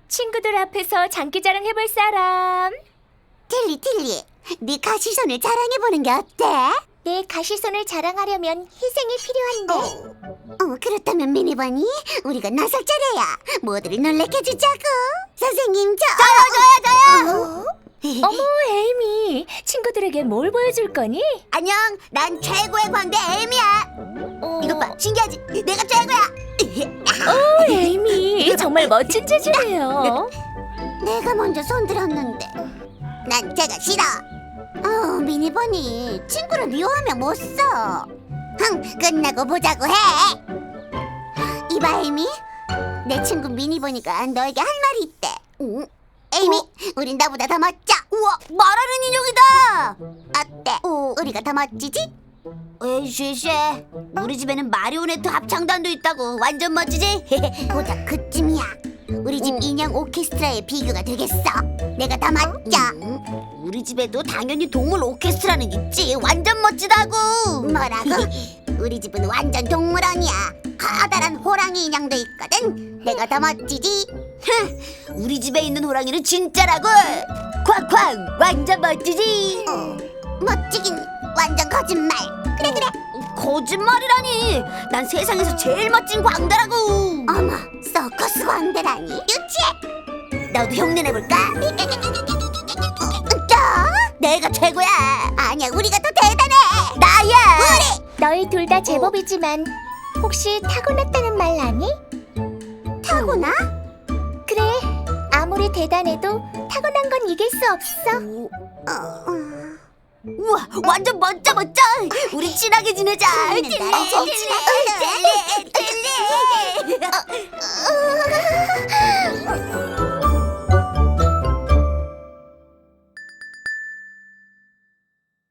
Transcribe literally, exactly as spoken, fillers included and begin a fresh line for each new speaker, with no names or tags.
친구들 앞에서 장기자랑 해볼 사람.
틸리 틸리, 네 가시손을 자랑해보는 게 어때?
내 가시손을 자랑하려면 희생이 필요한데.
어, 그렇다면 미니버니, 우리가 나설 차례야. 모두를 놀래켜 주자고. 선생님, 저... 저요, 저요, 저요!
어머, 에이미. 친구들에게 뭘 보여줄 거니?
안녕, 난 최고의 광대 에이미야.
어...
이것 봐, 신기하지? 내가 최고야.
오, 에이미. 정말 멋진 재주예요.
내가 먼저 손들었는데. 난 제가 싫어. 어, 미니버니, 친구를 미워하면 못 써. 흥, 끝나고 보자고 해. 이봐, 에이미. 내 친구 미니버니가 너에게 할 말이 있대. 응? 에이미, 우린 나보다 더 멋져. 우와, 말하는 인형이다. 어때? 우리가 더 멋지지? 에이, 쉐쉐. 우리 집에는 마리오네트 합창단도 있다고. 완전 멋지지? 보자, 그쯤이야. 우리 집 인형 오케스트라의 비교가 되겠어. 내가 더 멋져. 우리 집에도 당연히 동물 오케스트라는 있지. 완전 멋지다고. 뭐라고? 우리 집은 완전 동물원이야. 커다란 호랑이 인형도 있거든. 내가 더 멋지지? 우리 집에 있는 호랑이는 진짜라고. 쾅쾅, 완전 멋지지? 어, 멋지긴 완전 거짓말. 그래 그래. 거짓말이라니. 난 세상에서 제일 멋진 광대라고. 어머, 서커스 광대라니. 유치해. 너도 흉내 내볼까? 저? 내가 최고야. 아니야, 우리가 더 대단해. 나야. 우리.
너희 둘 다 제법이지만 혹시 타고났다는 말 아니?
타고나?
그래. 아무리 대단해도 타고난 건 이길 수 없어.
어, 어. 우와, 완전 멋져 멋져. 우리 친하게 지내자.
음,
찔리, 찔리, 찔리.